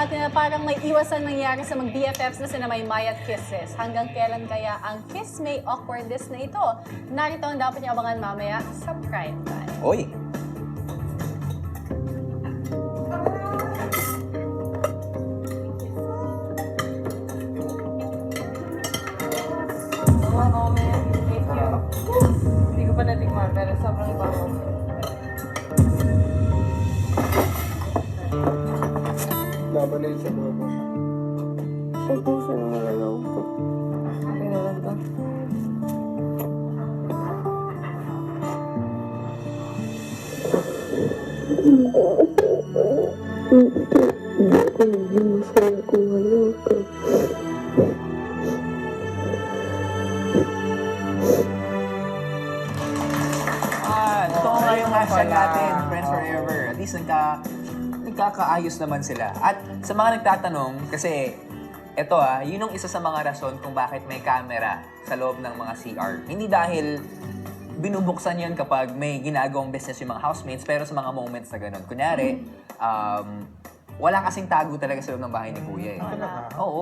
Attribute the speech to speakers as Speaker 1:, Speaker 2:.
Speaker 1: natin na parang may iwasan nangyari sa mag-BFFs na sina Maymay at Kisses. Hanggang kailan kaya ang Kiss May awkwardness na ito? Narito ang dapat niyo abangan mamaya sa Prime Time.
Speaker 2: Oy!
Speaker 3: Mga moment, thank you. Hindi ko pa natikman, pero sobrang bango.
Speaker 4: Laban na yun sa mga mo.
Speaker 3: Ubusin mo na lang ito. Okay na lang ito.
Speaker 2: Ito nga yung hashtag natin, Friends Forever. At least nagkakaayos naman sila. At sa mga nagtatanong, kasi ito yun yung isa sa mga rason kung bakit may camera sa loob ng mga CR. Hindi dahil binubuksan yun kapag may ginagawang business yung mga housemates, pero sa mga moments na ganun. Kunyari, wala kasing tago talaga sa loob ng bahay ni Kuya eh. Oo.